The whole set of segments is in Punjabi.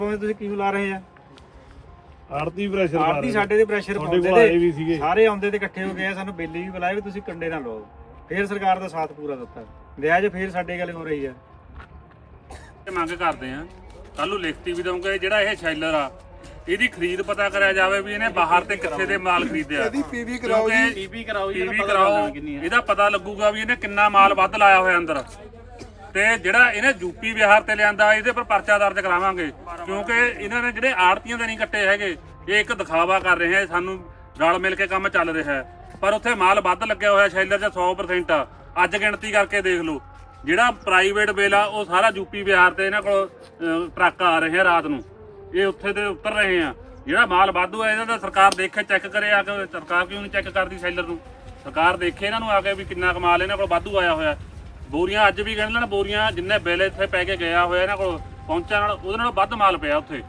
ਤੁਸੀਂ ਕਿਉਂ ਲਾ ਰਹੇ ਆ? ਆੜਤੀ ਪ੍ਰੈਸ਼ਰ ਕਰ ਆੜਤੀ ਸਾਡੇ ਤੇ ਪ੍ਰੈਸ਼ਰ ਪਾਉਂਦੇ ਨੇ, ਸਾਰੇ ਆਉਂਦੇ ਤੇ ਇਕੱਠੇ ਹੋ ਗਏ, ਸਾਨੂੰ ਬਿੱਲ ਵੀ ਬੁਲਾਏ ਵੀ ਤੁਸੀਂ ਕੰਡੇ ਨਾ ਲਓ। ਫੇਰ ਸਰਕਾਰ ਦਾ ਸਾਥ ਪੂਰਾ ਦਿੱਤਾ, ਵਿਆਜ ਫੇਰ ਸਾਡੇ ਗੱਲ ਹੋ ਰਹੀ ਆ। ਮੰਗ ਕਰਦੇ ਆ ਕੱਲ ਨੂੰ ਲਿਖਤੀ ਵੀ ਦਊਂਗੇ, ਜਿਹੜਾ ਇਹ ਸ਼ੈਲਰ ਆ ਇਹਦੀ ਖਰੀਦ ਪਤਾ ਕਰਿਆ ਜਾਵੇ ਵੀ ਇਹਨੇ ਬਾਹਰ ਤੇ ਕਿੱਥੇ ਦੇ ਮਾਲ ਖਰੀਦਿਆ। ਇਹਦੀ ਪੀਵੀ ਕਰਾਓ ਜੀ, ਪੀਵੀ ਕਰਾਓ, ਇਹਦਾ ਪਤਾ ਲੱਗੂਗਾ ਵੀ ਇਹਨੇ ਕਿੰਨਾ ਮਾਲ ਵੱਧ ਲਾਇਆ ਹੋਇਆ ਅੰਦਰ। ਤੇ ਜਿਹੜਾ ਇਹਨੇ ਯੂਪੀ ਬਿਹਾਰ ਤੇ ਲਿਆਂਦਾ ਇਹਦੇ ਪਰ ਪਰਚਾ ਦਰਜ ਕਰਾਵਾਂਗੇ, ਕਿਉਂਕਿ ਇਹਨਾਂ ਨੇ ਜਿਹੜੇ ਆੜਤੀਆਂ ਦੇ ਨਹੀਂ ਕੱਟੇ ਹੈਗੇ, ਇਹ ਇੱਕ ਦਿਖਾਵਾ ਕਰ ਰਹੇ ਆ, ਸਾਨੂੰ ਰਲ ਮਿਲ ਕੇ ਕੰਮ ਚੱਲ ਰਿਹਾ ਹੈ। ਪਰ ਉੱਥੇ ਮਾਲ ਵੱਧ ਲੱਗਿਆ ਹੋਇਆ ਸ਼ੈਲਰ 'ਚ 100% ਆ। ਅੱਜ ਗਿਣਤੀ ਕਰਕੇ ਦੇਖ ਲਓ, ਜਿਹੜਾ ਪ੍ਰਾਈਵੇਟ ਬਿੱਲ ਆ ਉਹ ਸਾਰਾ ਯੂਪੀ ਬਿਹਾਰ ਤੇ ਇਹਨਾਂ ਕੋਲ ਟਰੱਕ ਆ ਰਹੇ ਆ ਰਾਤ ਨੂੰ, ਇਹ ਉੱਥੇ ਤੇ ਉਤਰ ਰਹੇ ਆ। ਜਿਹੜਾ ਮਾਲ ਵਾਧੂ ਹੈ ਇਹਨਾਂ ਦਾ ਸਰਕਾਰ ਦੇਖੇ, ਚੈੱਕ ਕਰੇ ਆ ਕੇ। ਸਰਕਾਰ ਕਿਉਂ ਨਹੀਂ ਚੈੱਕ ਕਰਦੀ ਸ਼ੈਲਰ ਨੂੰ? ਸਰਕਾਰ ਦੇਖੇ ਇਹਨਾਂ ਨੂੰ ਆ ਕੇ ਵੀ ਕਿੰਨਾ ਕਮਾਲ ਇਹਨਾਂ ਕੋਲ ਵਾਧੂ ਆਇਆ ਹੋਇਆ। ਬੋਰੀਆਂ ਅੱਜ ਵੀ ਗਿਣ ਲੈਣ, ਬੋਰੀਆਂ ਜਿੰਨੇ ਬਿੱਲ ਇੱਥੇ ਪੈ ਕੇ ਗਿਆ ਹੋਇਆ ਇਹਨਾਂ ਕੋਲ ਪਹੁੰਚਣ ਨਾਲ ਉਹਦੇ ਨਾਲ ਵੱਧ ਮਾਲ ਪਿਆ ਉੱਥੇ।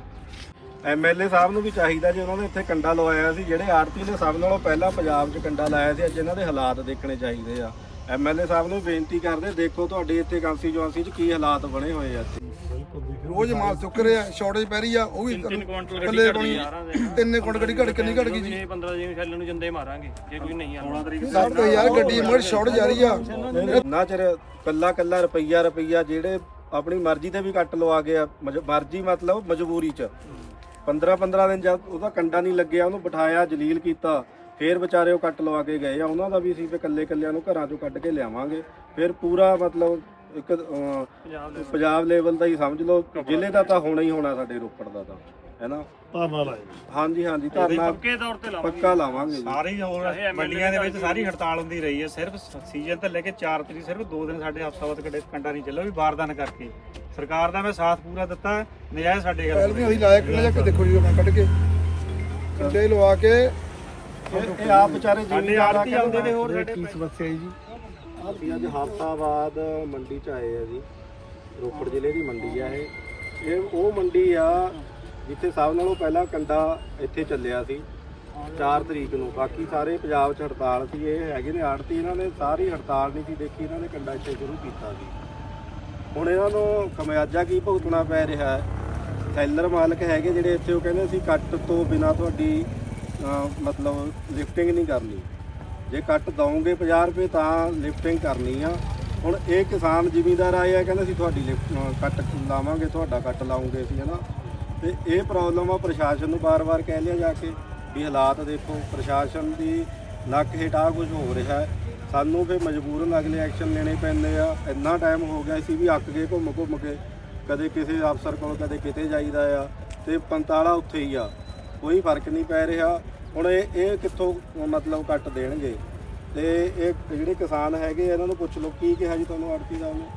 ਐਮਐਲਏ ਸਾਹਿਬ ਨੂੰ ਵੀ ਚਾਹੀਦਾ ਜੀ, ਉਹਨਾਂ ਨੇ ਇੱਥੇ ਕੰਡਾ ਲਵਾਇਆ ਸੀ। ਜਿਹੜੇ ਆੜਤੀ ਨੇ ਸਭ ਨਾਲੋਂ ਪਹਿਲਾਂ ਪੰਜਾਬ 'ਚ ਕੰਡਾ ਲਾਇਆ ਸੀ, ਅੱਜ ਇਹਨਾਂ ਦੇ ਹਾਲਾਤ ਦੇਖਣੇ ਚਾਹੀਦੇ ਆ। ਐਮਐਲਏ ਸਾਹਿਬ ਨੂੰ ਬੇਨਤੀ ਕਰਦੇ, ਦੇਖੋ ਤੁਹਾਡੇ ਇੱਥੇ ਕਾਂਸਟੀਚੁਐਂਸੀ 'ਚ ਕੀ ਹਾਲਾਤ ਬਣੇ ਹੋਏ ਆ। ਇੱਥੇ ਰੋਜ਼ ਮਾਲ ਚੁੱਕ ਰਿਹਾ, ਸ਼ਾਰਟੇਜ ਪੈ ਰਹੀ ਆ, ਉਹ ਵੀ 3 ਕੁਇੰਟਲ ਗੱਡੀ ਘੜ ਕਿੰਨੀ ਘੜ ਗਈ ਜੀ। 15 ਦਿਨ ਛੱਲਣ ਨੂੰ ਜੰਦੇ ਮਾਰਾਂਗੇ ਜੇ ਕੋਈ ਨਹੀਂ ਆਉਂਦਾ। 16 ਤਰੀਕ ਸਭ ਤੋਂ ਯਾਰ ਗੱਡੀ ਮੜ ਸ਼ਾਰਟ ਜਾ ਰਹੀ ਆ। ਨਾ ਚਿਰ ਕੱਲਾ ਰੁਪਈਆ ਜਿਹੜੇ ਆਪਣੀ ਮਰਜ਼ੀ ਤੇ ਵੀ ਕੱਟ ਲਵਾ ਗਿਆ, ਮਰਜ਼ੀ ਮਤਲਬ ਮਜਬੂਰੀ 'ਚ 15 ਦਿਨ ਜਦ ਉਹਦਾ ਕੰਡਾ ਨਹੀਂ ਲੱਗਿਆ, ਉਹਨੂੰ ਬਿਠਾਇਆ, ਜਲੀਲ ਕੀਤਾ, ਫੇਰ ਵਿਚਾਰੇ ਉਹ ਕੱਟ ਲਵਾ ਕੇ ਗਏ ਆ। ਉਹਨਾਂ ਦਾ ਵੀ ਅਸੀਂ ਫੇ ਕੱਲਿਆਂ ਨੂੰ ਘਰਾਂ 'ਚੋਂ ਕੱਢ ਕੇ ਲਿਆਵਾਂਗੇ। ਫਿਰ ਪੂਰਾ ਮਤਲਬ ਇੱਕ ਪੰਜਾਬ ਲੈਵਲ ਦਾ ਹੀ ਸਮਝ ਲਓ, ਜ਼ਿਲ੍ਹੇ ਦਾ ਤਾਂ ਹੋਣਾ ਹੀ ਹੋਣਾ, ਸਾਡੇ ਰੋਪੜ ਦਾ ਤਾਂ ਹੈ ਨਾ। ਧਰਨਾ ਲਾਏ ਹਾਂਜੀ ਧਰਨਾ ਪੱਕੇ ਤੌਰ ਤੇ ਪੱਕਾ ਲਾਵਾਂਗੇ। ਸਾਰੇ ਹੋਰ ਮੰਡੀਆਂ ਦੇ ਵਿੱਚ ਸਾਰੀ ਹੜਤਾਲ ਹੁੰਦੀ ਰਹੀ ਹੈ, ਸਿਰਫ ਸੀਜ਼ਨ ਤੋਂ ਲੈ ਕੇ 4 ਤਰੀਕ ਸਿਰਫ 2 ਦਿਨ ਸਾਡੇ ਹਫ਼ਤਾਵਾਰ ਕੰਡਾ ਨਹੀਂ ਚੱਲਿਆ, ਵੀ ਬਾਰਦਾਨ ਕਰਕੇ। ਸਰਕਾਰ ਦਾ ਮੈਂ ਸਾਥ ਪੂਰਾ ਦਿੱਤਾ, ਨਜਾਇਜ਼ ਸਾਡੇ ਗੱਲ ਪਹਿਲ ਵੀ ਅਸੀਂ ਲਾਇਆ ਕਿੰਨਾ ਜਾ ਕੇ ਦੇਖੋ ਜੀ, ਮੈਂ ਕੱਢ ਕੇ ਕੰਡੇ ਲਵਾ ਕੇ। ਇਹ ਆਪ ਵਿਚਾਰੇ ਜ਼ਿਮੀਂਦਾਰ ਆੜਤੀ ਆਉਂਦੇ ਨੇ, ਹੋਰ ਸਾਡੇ ਕੀ ਸਮੱਸਿਆ ਹੈ ਜੀ? ਅਸੀਂ ਅੱਜ ਹਫ਼ਤਾਬਾਦ ਮੰਡੀ 'ਚ ਆਏ ਆ ਜੀ, ਰੋਪੜ ਜ਼ਿਲ੍ਹੇ ਦੀ ਮੰਡੀ ਆ ਇਹ ਉਹ ਮੰਡੀ ਆ ਜਿੱਥੇ ਸਭ ਨਾਲੋਂ ਪਹਿਲਾਂ ਕੰਡਾ ਇੱਥੇ ਚੱਲਿਆ ਸੀ 4 ਤਰੀਕ ਨੂੰ। ਬਾਕੀ ਸਾਰੇ ਪੰਜਾਬ 'ਚ ਹੜਤਾਲ ਸੀ। ਇਹ ਹੈਗੇ ਨੇ ਆੜਤੀ, ਇਹਨਾਂ ਨੇ ਸਾਰੀ ਹੜਤਾਲ ਨਹੀਂ ਸੀ ਦੇਖੀ, ਇਹਨਾਂ ਨੇ ਕੰਡਾ ਇੱਥੇ ਸ਼ੁਰੂ ਕੀਤਾ ਸੀ। ਹੁਣ ਇਹਨਾਂ ਨੂੰ ਖਮਿਆਜਾ ਕੀ ਭੁਗਤਣਾ ਪੈ ਰਿਹਾ ਹੈ? ਸੈਲਰ ਮਾਲਕ ਹੈਗੇ ਜਿਹੜੇ ਇੱਥੇ, ਉਹ ਕਹਿੰਦੇ ਅਸੀਂ ਕੱਟ ਤੋਂ ਬਿਨਾਂ ਤੁਹਾਡੀ ਮਤਲਬ ਲਿਫਟਿੰਗ ਨਹੀਂ ਕਰਨੀ, ਜੇ ਕੱਟ ਦਓਗੇ 50 ਰੁਪਏ ਤਾਂ ਲਿਫਟਿੰਗ ਕਰਨੀ ਆ। ਹੁਣ ਇਹ ਕਿਸਾਨ ਜ਼ਿਮੀਂਦਾਰ ਆਏ ਆ, ਕਹਿੰਦੇ ਅਸੀਂ ਤੁਹਾਡੀ ਕੱਟ ਲਾਵਾਂਗੇ, ਤੁਹਾਡਾ ਕੱਟ ਲਾਉਂਗੇ ਅਸੀਂ, ਹੈ ਨਾ। ਤੇ ਇਹ ਪ੍ਰੋਬਲਮ ਆ, ਪ੍ਰਸ਼ਾਸਨ ਨੂੰ ਵਾਰ-ਵਾਰ ਕਹਿ ਲਿਆ ਜਾ ਕੇ ਵੀ ਹਾਲਾਤ ਦੇਖੋ, ਪ੍ਰਸ਼ਾਸਨ ਦੀ ਨੱਕ ਹੇਠਾਂ ਕੁਝ ਹੋ ਰਿਹਾ ਹੈ। ਸਾਨੂੰ ਫਿਰ ਮਜਬੂਰਨ ਅਗਲੇ ਐਕਸ਼ਨ ਲੈਣੇ ਪੈਂਦੇ ਆ। ਇੰਨਾ ਟਾਈਮ ਹੋ ਗਿਆ ਸੀ ਵੀ ਅੱਕ ਗਏ ਘੁੰਮ ਕੇ, ਕਦੇ ਕਿਸੇ ਅਫਸਰ ਕੋਲ ਕਦੇ ਕਿਤੇ ਜਾਈਦਾ ਆ, ਤੇ 45 ਉੱਥੇ ਹੀ ਆ, ਕੋਈ ਫਰਕ ਨਹੀਂ ਪੈ ਰਿਹਾ। ਹੁਣ ਇਹ ਕਿੱਥੋਂ ਮਤਲਬ ਕੱਟ ਦੇਣਗੇ? ਤੇ ਇਹ ਜਿਹੜੇ ਕਿਸਾਨ ਹੈਗੇ ਇਹਨਾਂ ਨੂੰ ਪੁੱਛ ਲਓ ਕੀ ਕਿਹਾ ਜੀ ਤੁਹਾਨੂੰ ਆੜਤੀ ਸਾਹਿਬ ਨੇ?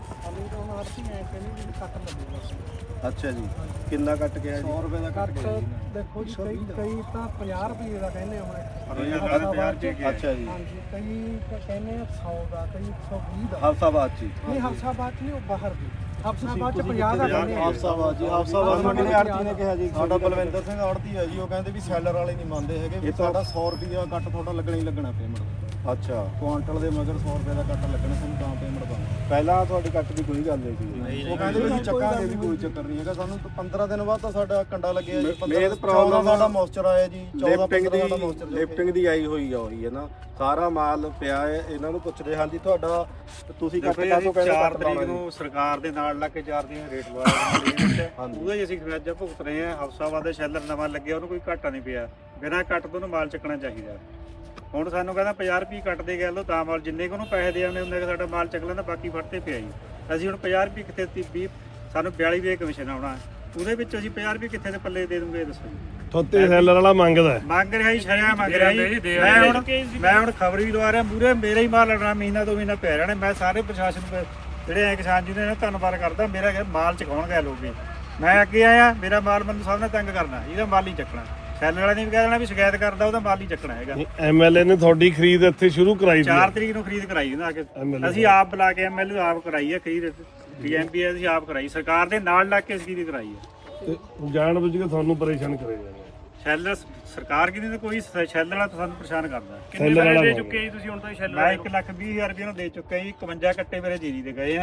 ਅੱਛਾ ਜੀ, ਕਿੰਨਾ ਕੱਟ ਗਿਆ ਜੀ? 100 ਰੁਪਏ ਦਾ ਕੱਟ ਦੇਖੋ ਜੀ, ਕਈ ਤਾਂ 50 ਰੁਪਏ ਦਾ ਕਹਿੰਦੇ ਹੁਣ। ਅੱਛਾ ਜੀ, ਹਾਂਜੀ, ਕਈ ਕਹਿੰਦੇ 100 ਦਾ, ਕਈ 120 ਦਾ। ਹਫ਼ਤਾਬਾਦ ਜੀ? ਨਹੀਂ, ਹਫ਼ਤਾਬਾਦ ਚ ਨਹੀਂ, ਉਹ ਬਾਹਰ ਦੀ। ਹਫ਼ਤਾਬਾਦ ਚ 50 ਦਾ ਕਹਿੰਦੇ ਆ। ਹਫ਼ਤਾਬਾਦ ਜੀ, ਹਫ਼ਤਾਬਾਦ ਮੰਡੀ ਆੜਤੀ ਨੇ ਕਿਹਾ ਜੀ। ਸਾਡਾ ਬਲਵਿੰਦਰ ਸਿੰਘ ਆੜਤੀ ਹੈ ਜੀ, ਉਹ ਕਹਿੰਦੇ ਵੀ ਸੈਲਰ ਵਾਲੇ ਨਹੀਂ ਮੰਨਦੇ ਹੈਗੇ, ਵੀ ਸਾਡਾ 100 ਰੁਪਿਆ ਕੱਟ ਤੁਹਾਡਾ ਲੱਗਣਾ ਹੀ ਲੱਗਣਾ ਪੇਮੈਂਟ। ਅੱਛਾ, ਕੁਆਂਟਲ ਦੇ ਮਗਰ 100 ਰੁਪਏ ਦਾ ਕੱਟ ਲੱਗਣਾ, ਸਾਨੂੰ ਤਾਂ ਪੇਮੈਂਟ ਪਾਉਣੀ। ਪਹਿਲਾਂ ਤੁਹਾਡੇ ਕੱਟ ਦੀ ਕੋਈ ਗੱਲ ਨਹੀਂ ਸੀ? ਉਹ ਕਹਿੰਦੇ ਵੀ ਅਸੀਂ ਚੱਕਾਂਗੇ ਵੀ, ਕੋਈ ਚੱਕਰ ਨਹੀਂ ਹੈਗਾ। ਸਾਨੂੰ 15 ਦਿਨ ਬਾਅਦ ਤਾਂ ਸਾਡਾ ਕੰਡਾ ਲੱਗਿਆ ਜੀ। ਮੇਨ ਪ੍ਰੋਬਲਮ ਸਾਡਾ ਮੋਇਸਚਰ ਆਇਆ ਜੀ, 14 ਲਿਫਟਿੰਗ ਦੀ ਆਈ ਹੋਈ ਆ, ਉਹੀ ਹੈ ਨਾ। ਸਾਰਾ ਮਾਲ ਪਿਆ ਹੈ, ਇਹਨਾਂ ਨੂੰ ਪੁੱਛਦੇ ਹਾਂ ਜੀ ਤੁਹਾਡਾ ਤੁਸੀਂ ਕੱਟ ਕਾਹਤੋਂ ਕਹਿੰਦੇ? 4 ਤਰੀਕ ਨੂੰ ਸਰਕਾਰ ਦੇ ਨਾਲ ਲੱਗ ਕੇ 4 ਦਿਨ ਰੇਟ ਲਵਾਇਆ, ਉਹਦਾ ਹੀ ਅਸੀਂ ਖਮਿਆਜਾ ਭੁਗਤ ਰਹੇ ਹਾਂ। ਹਫ਼ਤਾਬਾਦ ਦੇ ਸ਼ੈਲਰ ਨਵਾਂ ਲੱਗਿਆ, ਉਹਨੂੰ ਕੋਈ ਘਾਟਾ ਨਹੀਂ ਪਿਆ, ਬਿਨਾਂ ਕੱਟ ਤੋਂ ਉਹਨੂੰ ਮਾਲ ਚੱਕਣਾ ਚਾਹੀਦਾ। ਹੁਣ ਸਾਨੂੰ ਕਹਿੰਦਾ 50 ਰੁਪਏ ਕੱਟਦੇ ਗਏ ਲੋ ਤਾਂ ਮਾਲ, ਜਿੰਨੇ ਕੁ ਉਹਨੂੰ ਪੈਸੇ ਦੇ ਆਉਂਦੇ ਹੁੰਦੇ ਸਾਡਾ ਮਾਲ ਚੱਕ ਲੈਂਦਾ, ਬਾਕੀ ਫੜਤੇ ਪਿਆ ਜੀ। ਅਸੀਂ ਹੁਣ 50 ਰੁਪਏ ਕਿੱਥੇ 20 ਸਾਨੂੰ 42 ਰੁਪਏ ਕਮਿਸ਼ਨ ਆਉਣਾ, ਉਹਦੇ ਵਿੱਚ ਅਸੀਂ 50 ਰੁਪਏ ਕਿੱਥੇ ਦੇ ਪੱਲੇ ਦੇ ਦੂੰਗੇ? ਦੱਸੋ ਜੀ। ਥੋਤੇ ਸੈਲਰ ਵਾਲਾ ਮੰਗਦਾ ਮੰਗ ਰਿਹਾ ਜੀ, ਸ਼ਰਿਆ ਮੰਗ ਰਿਹਾ ਜੀ। ਮੈਂ ਹੁਣ ਖਬਰ ਵੀ ਲਵਾ ਰਿਹਾ, ਮੂਰੇ ਮੇਰੇ ਹੀ ਮਾਲ ਲੜਨਾ, ਮਹੀਨਾ 2 ਮਹੀਨਾ ਪੈ ਰਹਿਣਾ। ਮੈਂ ਸਾਰੇ ਪ੍ਰਸ਼ਾਸਨ ਜਿਹੜੇ ਐ ਕਿਸਾਨ ਜੀ ਨੇ ਧੰਨਵਾਦ ਕਰਦਾ। ਮੇਰਾ ਮਾਲ ਚਕਾਉਣ ਗਏ ਲੋਕ, ਮੈਂ ਅੱਗੇ ਆਇਆ, ਮੇਰਾ ਮਾਲ ਮੈਨੂੰ ਸਭ ਨੇ ਤੰਗ ਕਰਨਾ, ਇਹਦਾ ਮਾਲ ਹੀ ਚੱਕਣਾ। ਸੈਲਰ ਵਾਲੇ ਨੇ ਵੀ ਕਹਿ ਦੇਣਾ ਵੀ ਸ਼ਿਕਾਇਤ ਕਰਦਾ, ਉਹਦਾ ਮਾਲ ਹੀ ਚੱਕਣਾ ਹੈਗਾ। ਐਮਐਲਏ ਨੇ ਤੁਹਾਡੀ ਖਰੀਦ ਇੱਥੇ ਸ਼ੁਰੂ ਕਰਾਈ 4 ਤਰੀਕ ਨੂੰ ਖਰੀਦ ਕਰਾਈ ਉਹਨਾਂ ਆ ਕੇ, ਅਸੀਂ ਆਪ ਬੁਲਾ ਕੇ ਐਮਐਲਏ ਆਪ ਕਰਾਈ ਹੈ ਖਰੀਦ, ਡੀਐਮਪੀ ਅਸੀਂ ਆਪ ਕਰਾਈ, ਸਰਕਾਰ ਦੇ ਨਾਲ ਲੱਗ ਕੇ ਖਰੀਦ ਕਰਾਈ ਹੈ। ਜਾਣ ਬੁੱਝ ਕੇ ਤੁਹਾਨੂੰ ਪਰੇਸ਼ਾਨ ਕਰੇ ਜਾਂਦੇ ਸ਼ੈਲਰ ਸਰਕਾਰ ਕਿਹਦੀ ਤੇ ਕੋਈ ਸ਼ੈਲਰ ਵਾਲਾ ਤਾਂ ਸਾਨੂੰ ਪਰੇਸ਼ਾਨ ਕਰਦਾ। ਕਿੰਨੇ ਪੈਸੇ ਦੇ ਚੁੱਕੇ ਜੀ ਤੁਸੀਂ ਹੁਣ ਤਾਂ ਸ਼ੈਲਰ? ਮੈਂ 1,20,000 ਰੁਪਏ ਨੂੰ ਦੇ ਚੁੱਕਾ ਜੀ। 51 ਕੱਟੇ ਮੇਰੇ ਜੀਰੀ ਦੇ ਗਏ ਆ,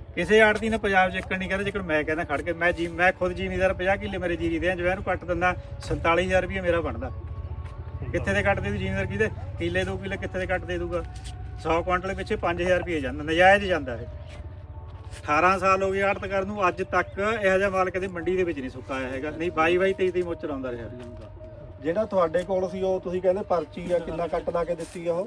ਕਿਸੇ ਆੜਤੀ ਨੇ ਪੰਜਾਬ 'ਚ ਇੱਕਣ ਨਹੀਂ ਕਹਿੰਦਾ ਜਿੱਕਣ ਮੈਂ ਕਹਿੰਦਾ ਖੜ ਕੇ ਮੈਂ ਖੁਦ ਜ਼ਿਮੀਦਾਰ 50 ਕਿੱਲੇ ਮੇਰੇ ਜੀਰੀ ਦੇ ਆ, ਜਿਵੇਂ ਇਹਨੂੰ ਕੱਟ ਦਿੰਦਾ 47,000 ਰੁਪਏ ਮੇਰਾ ਬਣਦਾ। ਕਿੱਥੇ ਦੇ ਕੱਟ ਦੇ ਜ਼ਿਮੀਦਾਰ ਕਿਹਦੇ ਕਿੱਲੇ 2 ਕਿੱਲੇ ਕਿੱਥੇ ਦੇ ਕੱਟ ਦੇ ਦੂਗਾ। 100 ਕੁਇੰਟਲ ਪਿੱਛੇ 5,000 ਰੁਪਏ ਜਾਂਦਾ, ਨਜਾਇਜ਼ ਜਾਂਦਾ ਇਹ। 18 ਸਾਲ ਹੋ ਗਏ ਆੜਤ ਕਰਨ ਨੂੰ, ਅੱਜ ਤੱਕ ਇਹੋ ਜਿਹਾ ਮਾਲ ਕਦੇ ਮੰਡੀ ਦੇ ਵਿੱਚ ਨਹੀਂ ਸੁੱਕਾ ਆਇਆ ਹੈਗਾ, ਨਹੀਂ 22 23 ਮੋਚਰ ਆਉਂਦਾ ਰਿਹਾ। ਜਿਹੜਾ ਤੁਹਾਡੇ ਕੋਲ ਸੀ ਉਹ ਤੁਸੀਂ ਕਹਿੰਦੇ ਪਰਚੀ ਆ, ਕਿੰਨਾ ਕੱਟ ਲਾ ਕੇ ਦਿੱਤੀ ਆ ਉਹ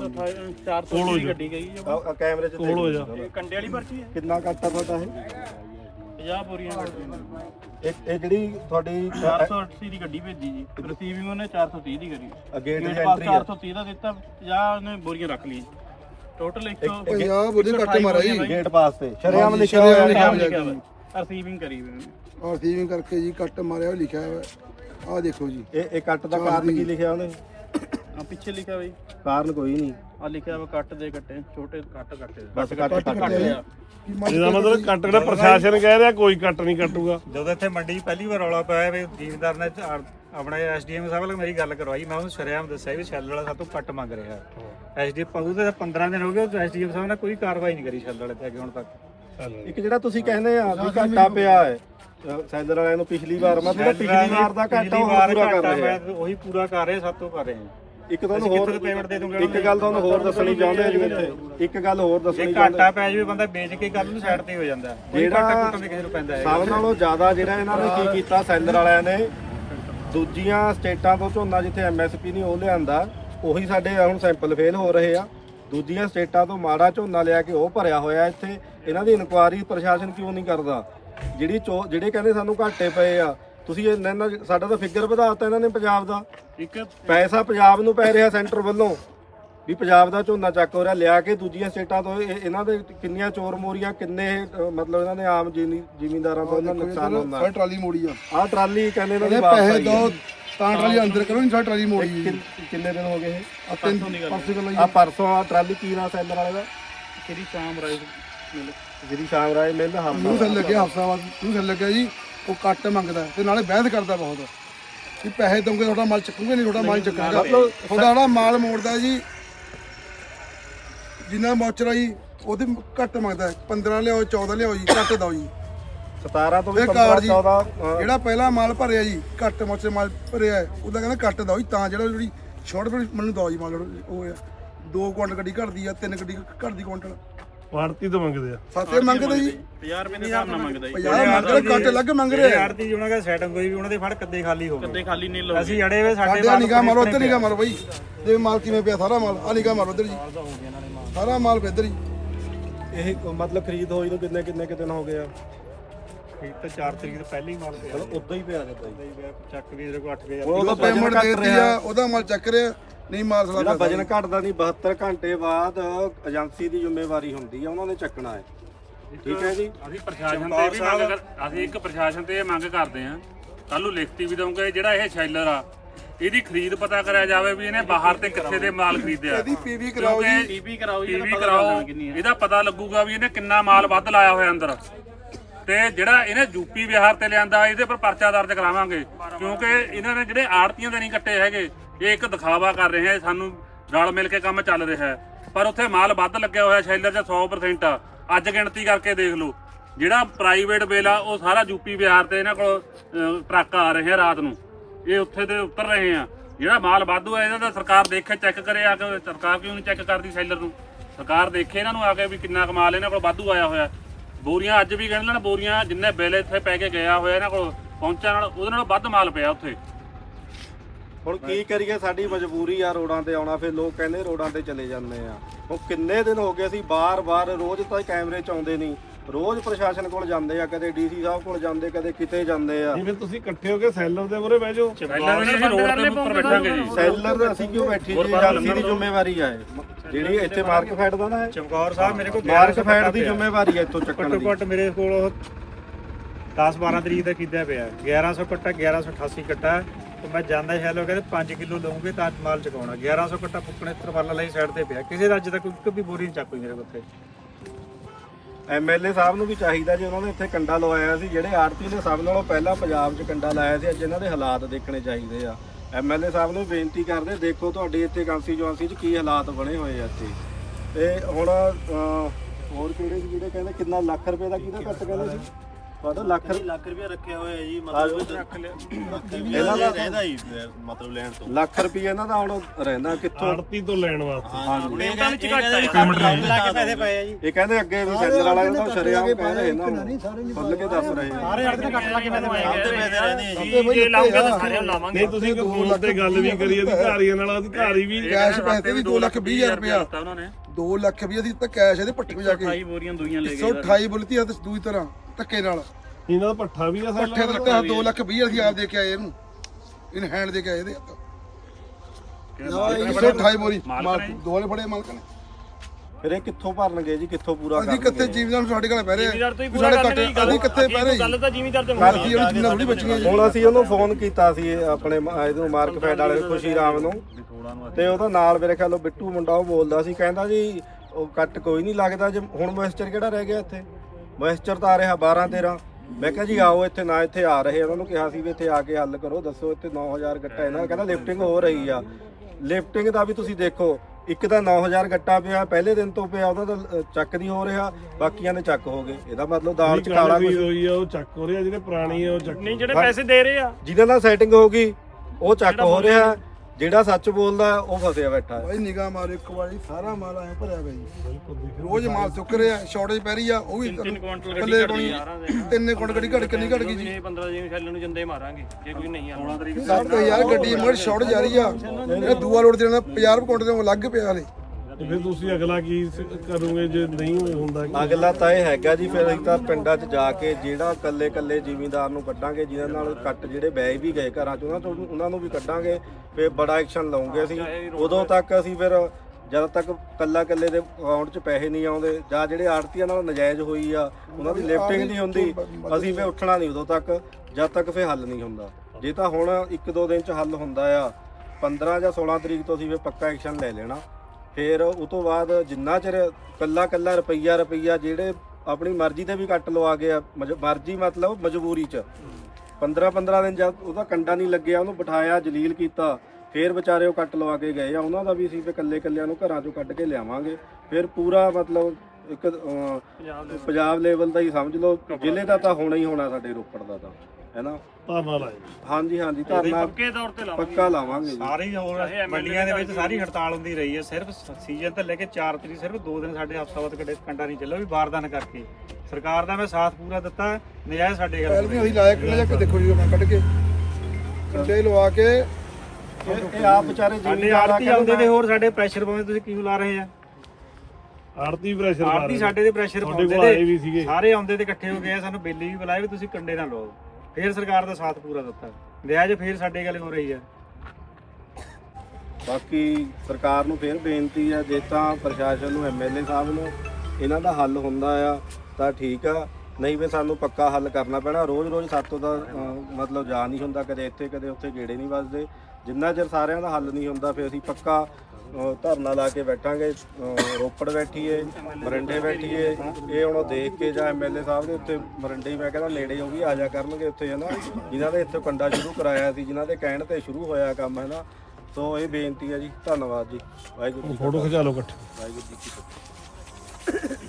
400 ਦੀ ਗੱਡੀ ਗਈ ਕੈਮਰੇ 'ਚ ਕੋਲ ਹੋ ਜਾ। ਇਹ ਕੰਡੇ ਵਾਲੀ ਪਰਚੀ ਹੈ। ਕਿੰਨਾ ਕੱਟ ਆ ਤੁਹਾਡਾ ਇਹ 50 ਬੋਰੀਆਂ ਕੱਢੀਆਂ। ਇਹ ਜਿਹੜੀ ਤੁਹਾਡੀ 480 ਦੀ ਗੱਡੀ ਭੇਜੀ ਜੀ, ਰਿਸੀਵਿੰਗ ਉਹਨੇ 430 ਦੀ ਕਰੀ। ਗੇਟ ਦੀ ਗੇਟ ਪਾਸ ਐਂਟਰੀ ਆ 430 ਦਾ ਦਿੱਤਾ, 50 ਉਹਨੇ ਬੋਰੀਆਂ ਰੱਖ ਲਈ। ਟੋਟਲ 50 ਬੋਰੀ ਕੱਟ ਮਾਰਾ ਜੀ ਗੇਟ ਪਾਸ ਤੇ ਸ਼ਰੇਆਮ ਲਿਖਿਆ ਹੋਇਆ ਰਿਸੀਵਿੰਗ ਕਰੀ ਵੀ ਉਹਨੇ। ਔਰ ਸੀਵਿੰਗ ਕਰਕੇ ਜੀ ਕੱਟ ਮਾਰਿਆ ਉਹ ਲਿਖਿਆ ਹੋਇਆ ਆਹ ਦੇਖੋ ਜੀ। ਇਹ ਕੱਟ ਦਾ ਕਾਰਨ ਕੀ ਲਿਖਿਆ ਉਹਨੇ? ਆ ਪਿੱਛੇ ਲਿਖਿਆ ਬਈ, ਕਾਰਨ ਕੋਈ ਨਹੀਂ, ਆ ਲਿਖਿਆ ਵਾ ਕੱਟ ਦੇ ਕੱਟੇ, ਛੋਟੇ ਕੱਟ ਬਸ ਕੱਟ ਲਿਆ। ਇਹਦਾ ਮਤਲਬ ਕੱਟ ਜਿਹੜਾ ਪ੍ਰਸ਼ਾਸਨ ਕਹਿ ਰਿਹਾ ਕੋਈ ਕੱਟ ਨਹੀਂ ਕੱਟੂਗਾ। ਜਦੋਂ ਇੱਥੇ ਮੰਡੀ 'ਚ ਪਹਿਲੀ ਵਾਰ ਰੌਲਾ ਪਾਇਆ ਵੀ ਜ਼ਿਮੀਦਾਰ ਨੇ ਆਪਣੇ ਐਸਡੀਐਮ ਸਾਹਿਬ ਨਾਲ ਮੇਰੀ ਗੱਲ ਕਰਵਾਈ, ਮੈਂ ਉਹਨੂੰ ਸ਼ਰੇਆਮ ਦੱਸਿਆ ਵੀ ਛੱਲ ਵਾਲਾ ਸਾਤੋਂ ਕੱਟ ਮੰਗ ਰਿਹਾ। ਐਸਡੀਐਮ ਪਰੂ ਦੇ 15 ਦਿਨ ਹੋ ਗਏ, ਐਸਡੀਐਮ ਸਾਹਿਬ ਨੇ ਕੋਈ ਕਾਰਵਾਈ ਨਹੀਂ ਕਰੀ ਛੱਲ ਵਾਲੇ ਤੇ ਅੱਗੇ ਹੁਣ ਤੱਕ। ਇੱਕ ਜਿਹੜਾ ਤੁਸੀਂ ਕਹਿੰਦੇ ਆ ਵੀ ਘਾਟਾ ਪਿਆ ਹੈ ਸੈਲਰ ਵਾਲਿਆਂ ਨੂੰ ਪਿਛਲੀ ਵਾਰ, ਮੈਂ ਜਿਹੜਾ ਪਿਛਲੀ ਵਾਰ ਦਾ ਘਾਟਾ ਉਹ ਪੂਰਾ ਕਰ ਰਿਹਾ। ਮੈਂ ਉਹੀ ਪੂਰਾ ਕਰ ਰਿਹਾ, ਸਾਤੋਂ ਕਰ ਰਹੇ ਹਾਂ। ਇੱਕ ਤੁਹਾਨੂੰ ਹੋਰ ਪੇਮੈਂਟ ਦੇ ਦੂੰਗਾ। ਇੱਕ ਗੱਲ ਤੁਹਾਨੂੰ ਹੋਰ ਦੱਸਣੀ ਚਾਹੁੰਦੇ ਆ ਜੀ ਇੱਥੇ, ਇੱਕ ਗੱਲ ਹੋਰ ਦੱਸਣੀ ਜੇ ਘਾਟਾ ਪੈ ਜਾਵੇ ਬੰਦਾ ਵੇਚ ਕੇ ਕੱਲ ਨੂੰ ਸਾਈਡ ਤੇ ਹੋ ਜਾਂਦਾ। ਜਿਹੜਾ ਘਾਟਾ ਕੁੱਟਣ ਦੇ ਕਿਸੇ ਨੂੰ ਪੈਂਦਾ ਹੈ। ਸਭ ਨਾਲੋਂ ਜ਼ਿਆਦਾ ਜਿਹੜਾ ਇਹਨਾਂ ਨੇ ਕੀ ਕੀਤਾ ਸੈਲਰ ਵਾਲਿਆਂ ਨੇ, ਦੂਜੀਆਂ ਸਟੇਟਾਂ ਤੋਂ ਝੋਨਾ ਜਿੱਥੇ ਐਮਐਸਪੀ ਨਹੀਂ ਉਹ ਲਿਆਂਦਾ, ਉਹੀ ਸਾਡੇ ਹੁਣ ਸੈਂਪਲ ਫੇਲ ਹੋ ਰਹੇ ਆ। ਦੂਜੀਆਂ ਸਟੇਟਾਂ ਤੋਂ ਮਾੜਾ ਝੋਨਾ ਲਿਆ ਕੇ ਉਹ ਭਰਿਆ ਹੋਇਆ ਇੱਥੇ। ਇਹਨਾਂ ਦੀ ਇਨਕੁਆਇਰੀ ਪ੍ਰਸ਼ਾਸਨ ਕਿਉਂ ਨਹੀਂ ਕਰਦਾ? ਜਿਹੜੇ ਕਹਿੰਦੇ ਸਾਨੂੰ ਘਾਟੇ ਪਏ ਆ, ਤੁਸੀਂ ਇਹਨਾਂ ਸਾਡਾ ਤਾਂ ਫਿਗਰ ਵਧਾਤਾ ਇਹਨਾਂ ਨੇ ਪੰਜਾਬ ਦਾ। ਇੱਕ ਪੈਸਾ ਪੰਜਾਬ ਨੂੰ ਪੈ ਰਿਹਾ ਸੈਂਟਰ ਵੱਲੋਂ ਵੀ ਪੰਜਾਬ ਦਾ ਝੋਨਾ ਚੱਕ ਹੋ ਰਿਹਾ, ਲਿਆ ਕੇ ਦੂਜੀਆਂ ਸਟੇਟਾਂ ਤੋਂ। ਇਹਨਾਂ ਦੇ ਕਿੰਨੀਆਂ ਚੋਰ ਮੋਰੀਆਂ, ਕਿੰਨੇ ਮਤਲਬ ਇਹਨਾਂ ਨੇ ਆਮ ਜ਼ਿਮੀਂਦਾਰਾਂ ਤੋਂ ਇਹਨਾਂ ਨੁਕਸਾਨ ਹੁੰਦਾ। ਸਾਡੀ ਟਰਾਲੀ ਮੋੜੀ ਆ, ਆਹ ਟਰਾਲੀ ਕਹਿੰਦੇ ਇਹਨਾਂ ਦੀ ਇਹਦੇ ਵਾਪਸ ਪੈਸੇ ਆਈ ਦੋ ਹੈ। ਤਾਂ ਟਰਾਲੀ ਅੰਦਰ ਕਰੋ, ਨਹੀਂ ਸਾਡੀ ਟਰਾਲੀ ਮੋੜੀ ਜੀ। ਕਿੰਨੇ ਦਿਨ ਹੋ ਗਏ ਇਹ? ਆ ਤਿੰਨ ਪਰਸੋਂ ਗੱਲ ਆ ਪਰਸੋਂ ਆ ਟਰਾਲੀ ਕੀ ਨਾ ਸੈਲਰ ਵਾਲੇ ਦਾ, ਕਿਹੜੀ ਸ਼ਾਮ ਰਾਈ ਮਿਲ ਜਿਹੜੀ ਸ਼ਾਮ ਰਾਏ ਮਿਲ ਨੂੰ ਥੱਲੇ ਲੱਗਿਆ ਹਫਸਾਬਾਦ ਨੂੰ ਥੱਲੇ ਲੱਗਿਆ ਜੀ। ਉਹ ਕੱਟ ਮੰਗਦਾ ਤੇ ਨਾਲੇ ਬਹਿਸ ਕਰਦਾ ਬਹੁਤ ਕਿ ਪੈਸੇ ਦੋਗੇ ਤੁਹਾਡਾ ਮਾਲ ਚੱਕੂਗੇ, ਨਹੀਂ ਤੁਹਾਡਾ ਮਾਲ ਚੱਕਾਂਗਾ। ਤੁਹਾਡਾ ਜਿਹੜਾ ਮਾਲ ਮੋੜਦਾ ਜੀ, ਜਿੰਨਾ ਮੌਚਰਾ ਜੀ ਉਹਦੀ ਘੱਟ ਮੰਗਦਾ। 15 ਲਿਆਓ 14 ਲਿਆਓ ਜੀ, ਘੱਟ ਦਿਓ ਜੀ। 17 ਤੋਂ ਵੀ ਇਹ 15 ਕਾਰ ਜੀ 14 ਜਿਹੜਾ ਪਹਿਲਾ ਮਾਲ ਭਰਿਆ ਜੀ, ਘੱਟ ਮੌਚੇ ਮਾਲ ਭਰਿਆ ਹੈ, ਉਹਦਾ ਕਹਿੰਦਾ ਕੱਟ ਦਿਓ ਜੀ। ਤਾਂ ਜਿਹੜੀ ਸ਼ਾਰਟ ਮੈਨੂੰ ਦਿਓ ਜੀ ਮਾਲ, ਉਹ ਆ 2 ਕੁਇੰਟਲ ਗੱਡੀ ਘਟਦੀ ਆ, 3 ਗੱਡੀ ਘਟਦੀ ਕੁਇੰਟਲ। ਆੜਤੀ ਤੋਂ ਮੰਗਦੇ ਆ, ਸਾਤੇ ਮੰਗਦੇ ਜੀ 50 ਰੁਪਏ ਦੇ ਹਿਸਾਬ ਨਾਲ ਮੰਗਦਾ ਜੀ। 50 ਮੰਗਦੇ, ਕੱਟ ਅਲੱਗ ਮੰਗ ਰਹੇ ਆ। ਆੜਤੀ ਉਹਨਾਂ ਦਾ ਸੈਟਿੰਗ ਹੋਈ ਵੀ ਉਹਨਾਂ ਦੇ ਫੜ ਕੱਦੇ ਖਾਲੀ ਹੋ ਗਏ। ਕੱਦੇ ਖਾਲੀ ਨਹੀਂ ਲਓ ਅਸੀਂ ਅੜੇ ਵੇ ਸਾਡੇ ਸਾਡੇ ਨਿਗਾਹ ਮਾਰੋ, ਉੱਧਰ ਨਿਗਾਹ ਮਾਰੋ ਬਾਈ। ਜੇ ਮਾਲ ਕਿਵੇਂ ਪਿਆ ਸਾਰਾ ਮਾਲ, ਆ ਨਿਗਾਹ ਮਾਰੋ ਉੱਧਰ ਜੀ, ਸਾਰਾ ਮਾਲ ਪਿਆ ਇੱਧਰ ਜੀ। ਇਹ ਮਤਲਬ ਖਰੀਦ ਹੋਈ ਨੂੰ ਕਿੰਨੇ ਕੁ ਦਿਨ ਹੋ ਗਏ ਆ? ਠੀਕ ਤਾਂ 4 ਤਰੀਕ ਤੋਂ ਪਹਿਲਾਂ ਹੀ ਮਾਲ ਪਿਆ। ਉਦਾਂ ਹੀ ਪਿਆ ਜਾਂਦਾ ਜੀ। ਚੱਕ ਵੀ ਇਹਦੇ ਕੋਲ 8,000 ਉਹਦਾ ਪੇਮੈਂਟ ਦੇਤੀ ਆ, ਉਹਦਾ ਮਾਲ ਚੱਕ ਰਿਹਾ, ਨਹੀਂ ਮਾਲ ਜਿਹੜਾ ਸਲਾ ਵਜਨ ਘਟਦਾ ਨਹੀਂ 72 ਘੰਟੇ ਬਾਅਦ ਏਜੰਸੀ ਦੀ ਜ਼ਿੰਮੇਵਾਰੀ ਹੁੰਦੀ ਆ, ਉਹਨਾਂ ਨੇ ਚੱਕਣਾ ਹੈ। ਠੀਕ ਹੈ ਜੀ। ਅਸੀਂ ਪ੍ਰਸ਼ਾਸਨ ਤੇ ਵੀ ਮੰਗ ਅਸੀਂ ਇੱਕ ਪ੍ਰਸ਼ਾਸਨ ਤੇ ਇਹ ਮੰਗ ਕਰਦੇ ਹਾਂ, ਕੱਲ ਨੂੰ ਲਿਖਤੀ ਵੀ ਦਊਂਗੇ ਜਿਹੜਾ ਇਹ ਸ਼ੈਲਰ ਆ ਇਹਦੀ ਖਰੀਦ ਪਤਾ ਕਰਿਆ ਜਾਵੇ ਵੀ ਇਹਨੇ ਬਾਹਰ ਤੇ ਕਿੱਥੇ ਦੇ ਮਾਲ ਖਰੀਦਿਆ। ਇਹਦੀ ਪੀਵੀ ਕਰਾਓ ਜੀ, ਟੀਪੀ ਕਰਾਓ ਜੀ, ਟੀਵੀ ਕਰਾਓ, ਇਹਦਾ ਪਤਾ ਲੱਗੂਗਾ ਵੀ ਇਹਨੇ ਕਿੰਨਾ ਮਾਲ ਵੱਧ ਲਾਇਆ ਹੋਇਆ ਅੰਦਰ। ਤੇ ਜਿਹੜਾ ਇਹਨੇ ਯੂਪੀ ਬਿਹਾਰ ਤੇ ਲਿਆਂਦਾ ਇਹਦੇ ਪਰ ਪਰਚਾ ਦਰਜ ਕਰਾਵਾਂਗੇ, ਕਿਉਂਕਿ ਇਹਨਾਂ ਨੇ ਜਿਹੜੇ ਆੜਤੀਆਂ ਦੇ ਨਹੀਂ ਕੱਟੇ ਹੈਗੇ, ਇਹ ਇੱਕ ਦਿਖਾਵਾ ਕਰ ਰਹੇ ਆ, ਸਾਨੂੰ ਰਲ ਮਿਲ ਕੇ ਕੰਮ ਚੱਲ ਰਿਹਾ ਹੈ। ਪਰ ਉੱਥੇ ਮਾਲ ਵੱਧ ਲੱਗਿਆ ਹੋਇਆ ਸ਼ੈਲਰ 'ਚ 100% ਆ। ਅੱਜ ਗਿਣਤੀ ਕਰਕੇ ਦੇਖ ਲਓ, ਜਿਹੜਾ ਪ੍ਰਾਈਵੇਟ ਬਿੱਲ ਆ ਉਹ ਸਾਰਾ ਯੂਪੀ ਬਿਹਾਰ ਤੇ ਇਹਨਾਂ ਕੋਲ ਟਰੱਕ ਆ ਰਹੇ ਆ ਰਾਤ ਨੂੰ, ਇਹ ਉੱਥੇ ਤੇ ਉਤਰ ਰਹੇ ਆ। ਜਿਹੜਾ ਮਾਲ ਵਾਧੂ ਹੈ ਇਹਨਾਂ ਦਾ ਸਰਕਾਰ ਦੇਖੇ, ਚੈੱਕ ਕਰੇ ਆ ਕੇ। ਸਰਕਾਰ ਕਿਉਂ ਨਹੀਂ ਚੈੱਕ ਕਰਦੀ ਸ਼ੈਲਰ ਨੂੰ? ਸਰਕਾਰ ਦੇਖੇ ਇਹਨਾਂ ਨੂੰ ਆ ਕੇ ਵੀ ਕਿੰਨਾ ਕਮਾਲ ਇਹਨਾਂ ਕੋਲ ਵਾਧੂ ਆਇਆ ਹੋਇਆ। ਬੋਰੀਆਂ ਅੱਜ ਵੀ ਕਹਿਣ ਲੈਣ, ਬੋਰੀਆਂ ਜਿੰਨੇ ਬਿੱਲ ਇੱਥੇ ਪੈ ਕੇ ਗਿਆ ਹੋਇਆ ਇਹਨਾਂ ਕੋਲ ਪਹੁੰਚਣ ਨਾਲ ਉਹਦੇ ਨਾਲ ਵੱਧ ਮਾਲ ਪਿਆ ਉੱਥੇ। ਹੁਣ ਕੀ ਕਰੀਏ, ਸਾਡੀ ਮਜਬੂਰੀ ਆ ਰੋਡਾਂ ਤੇ ਆਉਣਾ। ਫਿਰ ਲੋਕ ਕਹਿੰਦੇ ਰੋਡਾਂ ਤੇ ਚਲੇ ਜਾਂਦੇ ਆ। ਹੁਣ ਕਿੰਨੇ ਦਿਨ ਹੋ ਗਏ ਅਸੀਂ ਬਾਰ-ਬਾਰ, ਰੋਜ਼ ਤਾਂ ਕੈਮਰੇ 'ਚ ਆਉਂਦੇ ਨਹੀਂ, ਰੋਜ਼ ਪ੍ਰਸ਼ਾਸਨ ਕੋਲ ਜਾਂਦੇ ਆ, ਕਦੇ ਡੀਸੀ ਸਾਹਿਬ ਕੋਲ ਜਾਂਦੇ, ਕਦੇ ਕਿਤੇ ਜਾਂਦੇ ਆ। ਜਿਵੇਂ ਤੁਸੀਂ ਇਕੱਠੇ ਹੋ ਕੇ ਸੈਲਰ ਦੇ ਮੂਹਰੇ ਬਹਿ ਜਾਓ। ਪਹਿਲਾਂ ਵੀ ਅਸੀਂ ਰੋਡ ਦੇ ਉੱਪਰ ਬੈਠਾਂਗੇ ਜੀ। ਸੈਲਰ ਅਸੀਂ ਕਿਉਂ ਬੈਠੀ ਜੀ? ਏਜੰਸੀ ਦੀ ਜ਼ਿੰਮੇਵਾਰੀ ਆ ਇਹ, ਜਿਹੜੀ ਇੱਥੇ ਮਾਰਕ ਫੈਟ ਦਾ ਨਾ ਹੈ। ਚਮਕੌਰ ਸਾਹਿਬ ਮੇਰੇ ਕੋਲ ਮਾਰਕ ਫੈਟ ਦੀ ਜ਼ਿੰਮੇਵਾਰੀ ਹੈ ਇੱਥੋਂ ਚੱਕਣ ਦੀ। ਘੱਟੋ-ਘੱਟ ਮੇਰੇ ਕੋਲ ਉਹ 10-12 ਤਰੀਕ ਦਾ ਕੀਤਾ ਪਿਆ 1100 ਕੱਟਾ, 1188 ਕੱਟਾ। ਤੇ ਮੈਂ ਜਾਂਦਾ ਸ਼ੈਲਰ ਕਹਿੰਦੇ 5 ਕਿਲੋ ਲਵਾਂਗੇ ਤਾਂ ਮਾਲ ਚਕਾਉਣਾ। 1100 ਕੱਟਾ ਪੁੱਕਣੇ ਤਰਵਾਲਾ ਲਈ ਸਾਈਡ ਤੇ ਪਿਆ, ਕਿਸੇ ਦਾ ਅੱਜ ਤੱਕ ਇੱਕ ਵੀ ਬੋਰੀ ਨਹੀਂ ਚੱਕ ਹੋਈ ਮੇਰੇ ਕੋਲ ਉੱਥੇ। ਐਮਐਲਏ ਸਾਹਿਬ ਨੂੰ ਵੀ ਚਾਹੀਦਾ ਜੀ, ਉਹਨਾਂ ਨੇ ਇੱਥੇ ਕੰਡਾ ਲਵਾਇਆ ਸੀ। ਜਿਹੜੇ ਆੜਤੀ ਨੇ ਸਭ ਨਾਲੋਂ ਪਹਿਲਾਂ ਪੰਜਾਬ 'ਚ ਕੰਡਾ ਲਾਇਆ ਸੀ, ਅੱਜ ਇਹਨਾਂ ਦੇ ਹਾਲਾਤ ਦੇਖਣੇ ਚਾਹੀਦੇ ਆ। ਐਮਐਲਏ ਸਾਹਿਬ ਨੂੰ ਬੇਨਤੀ ਕਰਦੇ, ਦੇਖੋ ਤੁਹਾਡੇ ਇੱਥੇ ਕਾਂਸਟੀਚੁਐਂਸੀ 'ਚ ਕੀ ਹਾਲਾਤ ਬਣੇ ਹੋਏ ਆ ਇੱਥੇ। ਤੇ ਹੋਰ ਕਿਹੜੇ ਸੀ ਜਿਹੜੇ ਕਹਿੰਦੇ ਕਿੰਨਾ ਲੱਖ ਰੁਪਏ ਦਾ ਕਿਹਦਾ ਕੱਟ ਕਹਿੰਦੇ ਸੀ ਤੁਹਾਡਾ ਲੱਖ ਰੁਪਏ ਰੱਖਿਆ ਹੋਇਆ ਜੀ ਮਤਲਬ ਰੱਖ ਲਿਆ ਇਹਨਾਂ ਦਾ ਰਹਿੰਦਾ ਹੀ ਮਤਲਬ ਲੈਣ ਤੋਂ ਲੱਖ ਰੁਪਏ ਇਹਨਾਂ ਦਾ ਹੁਣ ਰਹਿੰਦਾ ਕਿੱਥੋਂ ਆੜਤੀ ਤੋਂ ਲੈਣ ਵਾਸਤੇ ਪੇਮੈਂਟ ਵਿੱਚ ਘੱਟ ਲਾ ਕੇ ਪੈਸੇ ਪਏ ਆ ਜੀ ਇਹ ਕਹਿੰਦੇ ਅੱਗੇ ਵੀ ਸੈਲਰ ਵਾਲਾ ਇਹਦਾ ਸ਼ਰਿਆਮ ਕਹਿ ਰਹੇ ਨਾ ਖੁੱਲ ਕੇ ਦੱਸ ਰਹੇ ਸਾਰੇ ਅੜਦੇ ਕੱਟ ਲਾ ਕੇ ਪੈਸੇ ਪਾਏ ਆਪਦੇ ਪੈਸੇ ਰਹਿੰਦੇ ਆ ਜੀ ਜੇ ਲਾਉਂਗੇ ਤਾਂ ਸਾਰਿਆਂ ਨੂੰ ਲਾਵਾਂਗੇ ਨਹੀਂ ਤੁਸੀਂ ਕੋਈ ਫੋਨ ਤੇ ਗੱਲ ਵੀ ਕਰੀ ਅਧਿਕਾਰੀਆਂ ਨਾਲ, ਅਧਿਕਾਰੀ ਵੀ ਕੈਸ਼ ਪੈਸੇ ਵੀ 2,20,000 ਰੁਪਇਆ ਦਿੱਤਾ ਉਹਨਾਂ ਨੇ 2,20,000 ਦੀ ਤਾਂ ਕੈਸ਼ ਇਹਦੇ ਪੱਠੇ ਜਾ ਕੇ 28 ਬੋਰੀਆਂ ਦੂਈਆਂ ਲੈ ਗਏ 128 ਬੁਲਤੀ ਆ ਤੇ ਦੂਜੀ ਤਰ੍ਹਾਂ ਧੱਕੇ ਨਾਲ ਇਹਨਾਂ ਦਾ ਪੱਠਾ ਵੀ ਆ ਪੱਠੇ ਦਿੱਤਾ 2,20,000 ਅਸੀਂ ਆਪ ਦੇ ਕੇ ਆਏ ਇਹਨੂੰ ਇਨ ਹੈਂਡ ਦੇ ਕੇ ਆਏ ਇਹਦੇ ਹੱਥ 128 ਬੋਰੀ ਮਾਲਕ ਦੋਲੇ ਫੜੇ ਮਾਲਕ ਨੇ। ਫਿਰ ਇਹ ਕਿੱਥੋਂ ਭਰਨਗੇ ਜੀ, ਕਿੱਥੋਂ ਪੂਰਾ ਅਸੀਂ ਕਿੱਥੇ ਜੀਵਦਾਰ ਨੂੰ ਸਾਡੇ ਕੋਲ ਪੈ ਰਹੇ ਜ਼ਿਮੀਦਾਰ ਤੋਂ ਹੀ ਪੂਰਾ ਕਰਦੇ ਨਹੀਂ ਅਸੀਂ ਕਿੱਥੇ ਪੈ ਰਹੇ ਗੱਲ ਤਾਂ ਜ਼ਿਮੀਦਾਰ ਤੇ ਕੱਲ ਕੀ ਜਿਹੜੀ ਜ਼ਮੀਨਾਂ ਥੋੜੀ ਬਚੀਆਂ ਜੀ। ਹੁਣ ਅਸੀਂ ਉਹਨੂੰ ਫੋਨ ਕੀਤਾ ਸੀ ਆਪਣੇ ਇਹਨੂੰ ਮਾਰਕਫੈਡ ਵਾਲੇ ਖੁਸ਼ੀ ਰਾਮ ਨੂੰ, ਤੇ ਉਹਦਾ ਨਾਲ ਮੇਰੇ ਖਿਆਲ ਬਿੱਟੂ ਮੁੰਡਾ ਉਹ ਬੋਲਦਾ ਸੀ, ਕਹਿੰਦਾ ਜੀ ਉਹ ਕੱਟ ਕੋਈ ਨਹੀਂ ਲੱਗਦਾ ਜੇ ਹੁਣ ਮੋਇਸਚਰ ਕਿਹੜਾ ਰਹਿ ਗਿਆ ਇੱਥੇ, ਮੋਇਸਚਰ ਤਾਂ ਆ ਰਿਹਾ 12-13। ਮੈਂ ਕਿਹਾ ਜੀ ਆਓ ਇੱਥੇ, ਨਾ ਇੱਥੇ ਆ ਰਹੇ, ਉਹਨਾਂ ਨੂੰ ਕਿਹਾ ਸੀ ਵੀ ਇੱਥੇ ਆ ਕੇ ਹੱਲ ਕਰੋ, ਦੱਸੋ ਇੱਥੇ 9,000 ਗੱਟਾ ਇਹਨਾਂ ਕਹਿੰਦਾ ਲਿਫਟਿੰਗ ਹੋ ਰਹੀ ਆ। ਲਿਫਟਿੰਗ ਦਾ ਵੀ ਤੁਸੀਂ ਦੇਖੋ, ਇੱਕ ਤਾਂ 9,000 ਗੱਟਾ ਪਿਆ ਪਹਿਲੇ ਦਿਨ ਤੋਂ ਪਿਆ, ਉਹਦਾ ਤਾਂ ਚੱਕ ਨਹੀਂ ਹੋ ਰਿਹਾ, ਬਾਕੀਆਂ ਦੇ ਚੱਕ ਹੋ ਗਏ। ਇਹਦਾ ਮਤਲਬ ਦਾਲ ਚ ਕਾਲਾ ਵੀ ਹੋਈ ਆ, ਉਹ ਚੱਕ ਹੋ ਰਿਹਾ, ਜਿਹੜੇ ਪੁਰਾਣੀ ਆ ਉਹ ਚੱਕ ਨਹੀਂ ਜਿਹੜੇ ਪੈਸੇ ਦੇ ਰਹੇ ਆ ਜਿਹਦੇ ਨਾਲ ਸੈਟਿੰਗ ਹੋ ਗਈ ਉਹ ਚੱਕ ਹੋ ਰਿਹਾ, ਜਿਹੜਾ ਸੱਚ ਬੋਲਦਾ ਉਹ ਫਸਿਆ ਬੈਠਾ ਹੈ। ਭਾਈ ਨਿਗਾਹ ਮਾਰੋ ਇੱਕ ਵਾਰੀ, ਸਾਰਾ ਮਾਲ ਐ ਭਰਿਆ ਪਿਆ ਜੀ। ਰੋਜ਼ ਮਾਲ ਸੁੱਕ ਰਿਹਾ, ਸ਼ਾਰਟੇਜ ਪੈ ਰਹੀ ਆ, ਉਹ ਵੀ 3 ਕੁਇੰਟਲ ਗੱਡੀ ਥੱਲੇ ਘੱਟ ਪਾਉਣੀ, ਗਈ ਯਾਰਾਂ ਦੇ 3 ਕੁਇੰਟਲ ਗੱਡੀ ਘੱਟ ਕਿੰਨੀ ਘੱਟ ਗਈ ਜੀ। 15 ਜਿਵੇਂ ਛੱਲਣ ਨੂੰ ਜੰਦੇ ਮਾਰਾਂਗੇ ਜੇ ਕੋਈ ਨਹੀਂ ਆਉਂਦਾ 16 ਤਰੀਕ ਸਭ ਯਾਰ ਗੱਡੀ ਮੜ ਸ਼ਾਰਟ ਜਾ ਰਹੀ ਆ, ਇਹ ਦੂਆ ਲੋਡ ਦੇਣਾ 50 ਕੁਇੰਟਲ ਦੇ ਲੱਗ ਪਿਆ ਹਲੇ। ਤੇ ਫਿਰ ਤੁਸੀਂ ਅਗਲਾ ਕੀ ਕਰੋਗੇ ਜੇ ਨਹੀਂ ਹੁੰਦਾ? ਅਗਲਾ ਤਾਂ ਇਹ ਹੈਗਾ ਜੀ, ਫਿਰ ਅਸੀਂ ਤਾਂ ਪਿੰਡਾਂ 'ਚ ਜਾ ਕੇ ਜਿਹੜਾ ਕੱਲੇ ਜ਼ਿਮੀਂਦਾਰ ਨੂੰ ਕੱਢਾਂਗੇ, ਜਿਹਨਾਂ ਨਾਲ ਕੱਟ ਜਿਹੜੇ ਬਹਿ ਵੀ ਗਏ ਘਰਾਂ 'ਚ ਉਹਨਾਂ ਨੂੰ ਵੀ ਕੱਢਾਂਗੇ, ਫਿਰ ਬੜਾ ਐਕਸ਼ਨ ਲਵਾਂਗੇ ਅਸੀਂ। ਉਦੋਂ ਤੱਕ ਅਸੀਂ ਫਿਰ ਜਦ ਤੱਕ ਕੱਲੇ ਦੇ ਅਕਾਊਂਟ 'ਚ ਪੈਸੇ ਨਹੀਂ ਆਉਂਦੇ, ਜਾਂ ਜਿਹੜੇ ਆੜਤੀਆਂ ਨਾਲ ਨਜਾਇਜ਼ ਹੋਈ ਆ ਉਹਨਾਂ ਦੀ ਲਿਫਟਿੰਗ ਨਹੀਂ ਹੁੰਦੀ, ਅਸੀਂ ਫਿਰ ਉੱਠਣਾ ਨਹੀਂ ਉਦੋਂ ਤੱਕ, ਜਦ ਤੱਕ ਫਿਰ ਹੱਲ ਨਹੀਂ ਹੁੰਦਾ। ਜੇ ਤਾਂ ਹੁਣ 1-2 ਦਿਨ 'ਚ ਹੱਲ ਹੁੰਦਾ ਆ, 15 ਜਾਂ 16 ਤਰੀਕ ਤੋਂ ਅਸੀਂ ਫਿਰ ਪੱਕਾ ਐਕਸ਼ਨ ਲੈ ਲੈਣਾ। ਫਿਰ ਉਹ ਤੋਂ ਬਾਅਦ ਜਿੰਨਾ ਚਿਰ ਕੱਲਾ ਰੁਪਈਆ ਜਿਹੜੇ ਆਪਣੀ ਮਰਜ਼ੀ ਤੇ ਵੀ ਕੱਟ ਲਵਾ ਗਏ ਆ, ਮਰਜ਼ੀ ਮਤਲਬ ਮਜਬੂਰੀ 'ਚ 15 ਦਿਨ ਜਦ ਉਹਦਾ ਕੰਡਾ ਨਹੀਂ ਲੱਗਿਆ, ਉਹਨੂੰ ਬਿਠਾਇਆ, ਜਲੀਲ ਕੀਤਾ, ਫਿਰ ਵਿਚਾਰੇ ਉਹ ਕੱਟ ਲਵਾ ਕੇ ਗਏ ਆ, ਉਹਨਾਂ ਦਾ ਵੀ ਅਸੀਂ ਫਿਰ ਕੱਲਿਆਂ ਨੂੰ ਘਰਾਂ 'ਚੋਂ ਕੱਢ ਕੇ ਲਿਆਵਾਂਗੇ। ਫਿਰ ਪੂਰਾ ਮਤਲਬ ਇੱਕ ਪੰਜਾਬ ਲੈਵਲ ਦਾ ਹੀ ਸਮਝ ਲਓ, ਜ਼ਿਲ੍ਹੇ ਦਾ ਤਾਂ ਹੋਣਾ ਹੀ ਹੋਣਾ, ਸਾਡੇ ਰੋਪੜ ਦਾ ਤਾਂ ਹੈ ਨਾ। ਧਰਨਾ ਲਾਏ ਹਾਂਜੀ ਧਰਨਾ ਪੱਕੇ ਤੌਰ ਤੇ ਲਾਵਾਂਗੇ, ਪੱਕਾ ਲਾਵਾਂਗੇ ਜੀ। ਸਾਰੀ ਹੋਰ ਮੰਡੀਆਂ ਦੇ ਵਿੱਚ ਸਾਰੀ ਹੜਤਾਲ ਹੁੰਦੀ ਰਹੀ ਹੈ, ਸਿਰਫ ਸੀਜ਼ਨ ਤੋਂ ਲੈ ਕੇ 4 ਤਰੀਕ ਸਿਰਫ 2 ਦਿਨ ਸਾਡੇ ਹਫ਼ਤਾਵਾਰ ਕੰਡਾ ਨਹੀਂ ਚੱਲਿਆ, ਵੀ ਬਾਰਦਾਨ ਕਰਕੇ। ਸਰਕਾਰ ਦਾ ਮੈਂ ਸਾਥ ਪੂਰਾ ਦਿੱਤਾ, ਨਜਾਇਜ਼ ਸਾਡੇ ਗੱਲ ਪਹਿਲ ਵੀ ਅਸੀਂ ਲਾਇਆ ਕਿੰਨੇ ਜਾ ਕੇ ਦੇਖੋ ਜੀ, ਆਪਣਾ ਕੱਢ ਕੇ ਕੰਡੇ ਲਵਾ ਕੇ ਇਹ ਆਪ ਵਿਚਾਰੇ ਸਾਡੇ ਆੜਤੀ ਆਉਂਦੇ ਤੇ ਹੋਰ ਸਾਡੇ ਪ੍ਰੈਸ਼ਰ ਪਾਉਂਦੇ, ਤੁਸੀਂ ਕਿਉਂ ਲਾ ਰਹੇ ਆ? ਆੜਤੀ ਪ੍ਰੈਸ਼ਰ ਮਾਰ ਆੜਤੀ ਸਾਡੇ ਦੇ ਪ੍ਰੈਸ਼ਰ ਤੁਹਾਡੇ ਪਾਉਂਦੇ ਕੋਲ ਆਏ ਵੀ ਸੀਗੇ। ਤੇ ਸਾਰੇ ਆਉਂਦੇ ਤੇ ਇਕੱਠੇ ਹੋ ਗਏ, ਸਾਨੂੰ ਬੇਲੀ ਵੀ ਬੁਲਾਏ ਵੀ ਤੁਸੀਂ ਕੰਡੇ ਨਾ ਲਓ। ਫਿਰ ਸਰਕਾਰ ਦਾ ਸਾਥ ਪੂਰਾ ਦਿੱਤਾ, ਨਜਾਇਜ਼ ਫਿਰ ਸਾਡੇ ਗੱਲ ਹੋ ਰਹੀ ਹੈ। ਬਾਕੀ ਸਰਕਾਰ ਨੂੰ ਫਿਰ ਬੇਨਤੀ ਹੈ, ਜੇ ਤਾਂ ਪ੍ਰਸ਼ਾਸਨ ਨੂੰ, ਐਮਐਲਏ ਸਾਹਿਬ ਨੂੰ ਇਹਨਾਂ ਦਾ ਹੱਲ ਹੁੰਦਾ ਆ ਤਾਂ ਠੀਕ ਆ, ਨਹੀਂ ਵੀ ਸਾਨੂੰ ਪੱਕਾ ਹੱਲ ਕਰਨਾ ਪੈਣਾ। ਰੋਜ਼ ਸਾਤੋਂ ਦਾ ਮਤਲਬ ਜਾ ਨਹੀਂ ਹੁੰਦਾ, ਕਦੇ ਇੱਥੇ ਕਦੇ ਉੱਥੇ ਗੇੜੇ ਨਹੀਂ ਵੱਜਦੇ। ਜਿੰਨਾ ਚਿਰ ਸਾਰਿਆਂ ਦਾ ਹੱਲ ਨਹੀਂ ਹੁੰਦਾ ਫਿਰ ਅਸੀਂ ਪੱਕਾ ਧਰਨਾ ਲਾ ਕੇ ਬੈਠਾਂਗੇ। ਰੋਪੜ ਬੈਠੀਏ, ਮਰਿੰਡੇ ਬੈਠੀਏ, ਇਹ ਹੁਣ ਉਹ ਦੇਖ ਕੇ ਜਾਂ ਐਮਐਲਏ ਸਾਹਿਬ ਦੇ ਉੱਤੇ ਮਰਿੰਡੇ ਹੀ ਮੈਂ ਕਹਿੰਦਾ ਨੇੜੇ ਉਹ ਵੀ ਆ ਜਾ ਕਰਨਗੇ ਉੱਥੇ, ਹੈ ਨਾ, ਜਿਨ੍ਹਾਂ ਦੇ ਇੱਥੇ ਕੰਡਾ ਸ਼ੁਰੂ ਕਰਾਇਆ ਸੀ, ਜਿਨ੍ਹਾਂ ਦੇ ਕਹਿਣ ਤੇ ਸ਼ੁਰੂ ਹੋਇਆ ਕੰਮ, ਹੈ ਨਾ। ਸੋ ਇਹ ਬੇਨਤੀ ਹੈ ਜੀ, ਧੰਨਵਾਦ ਜੀ, ਵਾਹਿਗੁਰੂ ਜੀ ਫੋਟੋ ਖਿਚਾ ਲਓ ਇਕੱਠੇ। ਵਾਹਿਗੁਰੂ ਜੀ ਕੀ ਫਤਿਹ।